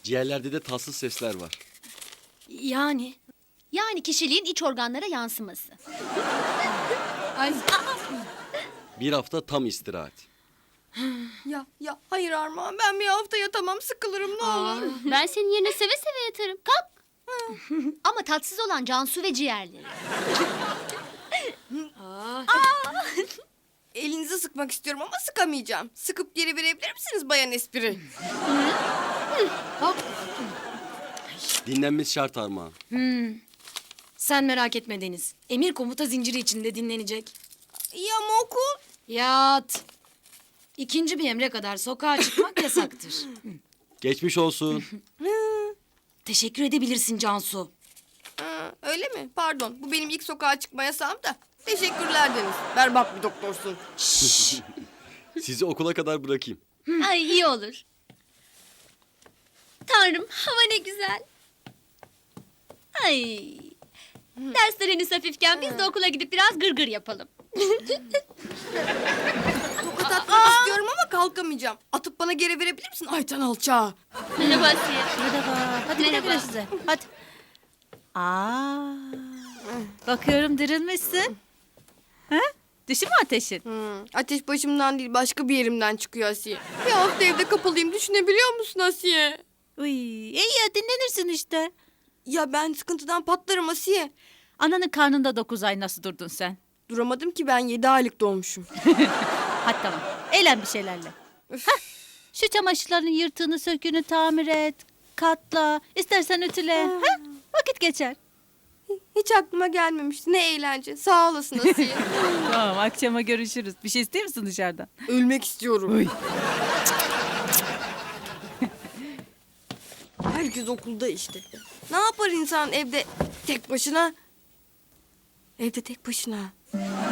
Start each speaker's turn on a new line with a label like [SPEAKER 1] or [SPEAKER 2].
[SPEAKER 1] Ciğerlerde de tatsız sesler var.
[SPEAKER 2] Yani kişiliğin iç organlara yansıması.
[SPEAKER 3] Ay,
[SPEAKER 1] Bir hafta tam istirahat.
[SPEAKER 3] ya hayır Armağan, ben bir hafta yatamam, sıkılırım ne olur.
[SPEAKER 4] Ben senin yerine seve seve yatarım. Kalk.
[SPEAKER 2] Ama tatsız olan Cansu ve ciğerleri.
[SPEAKER 3] Elinizi sıkmak istiyorum ama sıkamayacağım. Sıkıp geri verebilir misiniz Bayan Espri?
[SPEAKER 1] Dinlenmesi şart Armağan.
[SPEAKER 5] Sen merak etme Deniz. Emir komuta zinciri içinde dinlenecek.
[SPEAKER 3] Ya ama okul?
[SPEAKER 5] Yat. İkinci bir emre kadar sokağa çıkmak yasaktır.
[SPEAKER 1] Geçmiş olsun.
[SPEAKER 5] Teşekkür edebilirsin Cansu.
[SPEAKER 3] Öyle mi? Pardon, bu benim ilk sokağa çıkma yasağım da. Teşekkürler Deniz. Berbat bir doktorsun.
[SPEAKER 1] Sizi okula kadar bırakayım.
[SPEAKER 2] Ay iyi olur. Tanrım hava ne güzel. Ay. Dersler henüz hafifken biz de okula gidip biraz gırgır yapalım.
[SPEAKER 3] Tokat atmak istiyorum ama kalkamayacağım. Atıp bana geri verebilir misin Ayten alçağı?
[SPEAKER 4] Merhaba Asiye.
[SPEAKER 6] Hadi güle güle size. Hadi. Bakıyorum dirilmişsin. Ha? Düşün mü ateşin?
[SPEAKER 3] Ateş başımdan değil, başka bir yerimden çıkıyor Asiye. Bir hafta evde kapalıyım, düşünebiliyor musun Asiye?
[SPEAKER 6] Uy, iyi ya dinlenirsin işte.
[SPEAKER 3] Ya ben sıkıntıdan patlarım Asiye.
[SPEAKER 6] Ananın karnında 9 ay nasıl durdun sen?
[SPEAKER 3] Duramadım ki, ben 7 aylık doğmuşum.
[SPEAKER 6] Hadi tamam. Eğlen bir şeylerle. Hah, şu çamaşırların yırtığını söküğünü tamir et. Katla. İstersen ütüle. Ha? Vakit geçer.
[SPEAKER 3] Hiç aklıma gelmemişti. Ne eğlence. Sağ olasın Asiye.
[SPEAKER 6] Tamam akşama görüşürüz. Bir şey istiyor musun dışarıdan?
[SPEAKER 3] Ölmek istiyorum. Herkes okulda işte. Ne yapar insan evde tek başına? Evde tek başına.